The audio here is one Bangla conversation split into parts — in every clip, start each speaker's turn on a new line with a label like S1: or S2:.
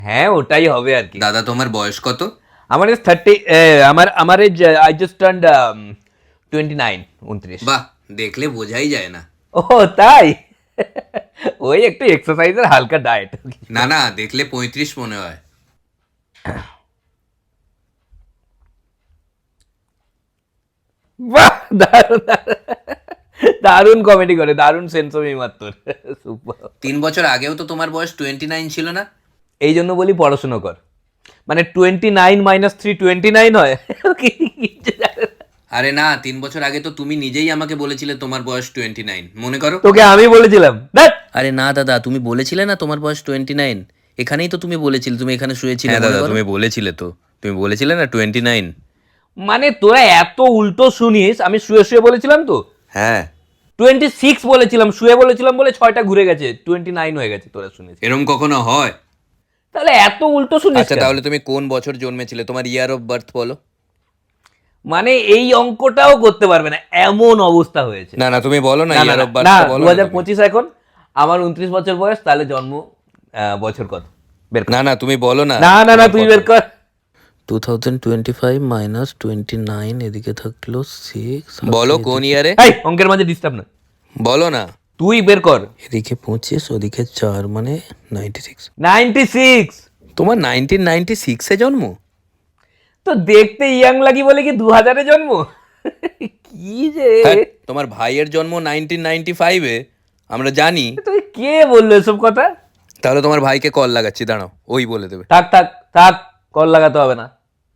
S1: হ্যাঁ ওটাই হবে আর কি।
S2: দাদা তোমার বয়স কত?
S1: আমার এজ 30, আমার এজ আই জাস্ট টার্নড 29, 29।
S2: বাহ, দেখলে বোঝাই যায় না।
S1: ও তাই? ওই একটু এক্সারসাইজের হালকা ডায়েট।
S2: না না, দেখলে 35 মনে হয়।
S1: বাহ, দারুণ দারুণ কমেডি করে, দারুণ সেন্স অফ হিউমার তোর। সুপার।
S2: 3 বছর আগেও তো তোমার বয়স 29 ছিল না?
S1: এই জন্য বলি পড়াশোনা কর, মানে 29 মাইনাস 3 29 হয়।
S2: আরে না, 3 বছর আগে তো তুমি নিজেই আমাকে বলেছিলে তোমার বয়স 29, মনে করো?
S1: তোকে আমি বলেছিলাম দেখ।
S2: আরে না দাদা, তুমি বলেছিলে না তোমার বয়স 29। এখানেই তো তুমি বলেছিলে, তুমি এখানে শুয়েছিলে। হ্যাঁ দাদা, তুমি বলেছিলে তো, তুমি বলেছিলে না 29।
S1: মানে তোরা এত উল্টো শুনিস, আমি শুয়ে শুয়ে বলেছিলাম তো
S2: হ্যাঁ,
S1: 26 বলেছিলাম, শুয়ে বলেছিলাম বলে 6টা ঘুরে গেছে, 29 হয়ে গেছে তোরা শুনেছিস।
S2: এরম কখনো হয়?
S1: তাহলে এত উল্টো শুনিস
S2: আচ্ছা
S1: কেন?
S2: তাহলে তুমি কোন বছর জন্মেছিলে, তোমার ইয়ার অফ বার্থ বলো।
S1: মানে এই অঙ্কটাও করতে পারবে না, এমন অবস্থা হয়েছে।
S2: না না, তুমি বলো না,
S1: না না
S2: ইয়ার
S1: না,
S2: অফ বার্থটা বলো না তুমি।
S1: 2025 এখন, আমার 29 বছর বয়স, তাহলে জন্ম বছর কত বের কর।
S2: না না, তুমি বলো না।
S1: না না না,
S2: তোমার
S1: তুই
S2: কত?
S1: বের কর।
S3: 2025 মাইনাস 29, এদিকে থাকলো 6,
S2: বলো কোন ইয়ারে,
S1: এই অঙ্কের মাঝে ডিস্টার্ব না,
S2: বলো না।
S1: তুই বের কর।
S3: এদিকে 25, ওদিকে 4, মানে 96।
S1: 96।
S2: তোমার 1996-এ জন্ম?
S1: তো দেখতে ইয়াং লাগি বলে কি 2000-এ জন্ম? কি যে
S2: হ্যাঁ, তোমার ভাইয়ের জন্ম 1995-এ, আমরা জানি।
S1: তুই কে বললো এসব কথা?
S2: তাহলে তোমার ভাইকে কল লাগাচ্ছি, দাঁড়াও, ওই বলে দেবে।
S1: থাক থাক থাক, কল লাগাতে হবে না।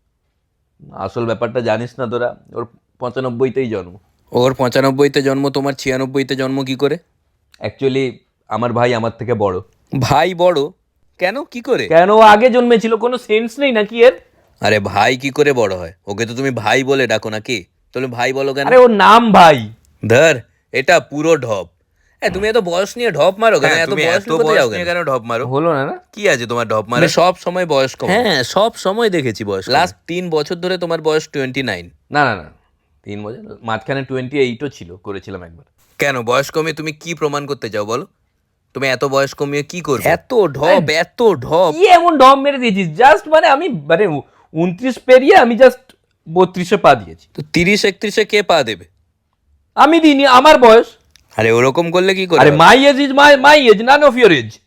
S1: আসল ব্যাপারটা জানিস না তোরা, ওর 95-তেই জন্ম।
S2: ওর 95-তে জন্ম, তোমার 96-তে জন্ম কি করে?
S1: অ্যাকচুয়ালি আমার ভাই আমার থেকে বড়।
S2: ভাই বড়? কেন, কি করে?
S1: কেন, ও আগে জন্মেছিল, কোনো সেন্স নেই নাকি এর?
S2: আরে ভাই কি করে বড় হয়? ওকে তো তুমি ভাই বলে ডাকো নাকি? তুমি ভাই বলো কেন?
S1: আরে ওর নাম ভাই।
S2: ধর, এটা পুরো ঢপ। তুমি এত বয়স নিয়ে ঢপ মারো কেন? এত বয়স নিয়ে কেন ঢপ মারো?
S1: হলো না না?
S2: কি আছে তোমার ঢপ মারে? সব সময় বয়স কম।
S3: হ্যাঁ, সব সময় দেখেছি বয়স।
S2: লাস্ট 3 বছর ধরে তোমার বয়স 29।
S1: না না না, 3 বছর, মাঝখানে 28ও ছিল, করেছিলাম একবার।
S2: কেন বয়স কমিয়ে তুমি কি প্রমাণ করতে চাও বলো? তুমি এত বয়স কমিয়ে কি করবে? এত ঢপ, এত ঢপ।
S1: কি এমন ঢপ মেরে দিয়েছিস? জাস্ট মানে আমি মানে 29 পেরিয়ে আমি জাস্ট 32-এ পা দিয়েছি।
S2: তো 30-31-এ কে পা দেবে?
S1: আমি দিইনি, আমার বয়স।
S2: আরে ওরকম করলে কি করে
S1: আরে
S2: হবে?
S1: My age is my age, none of your age.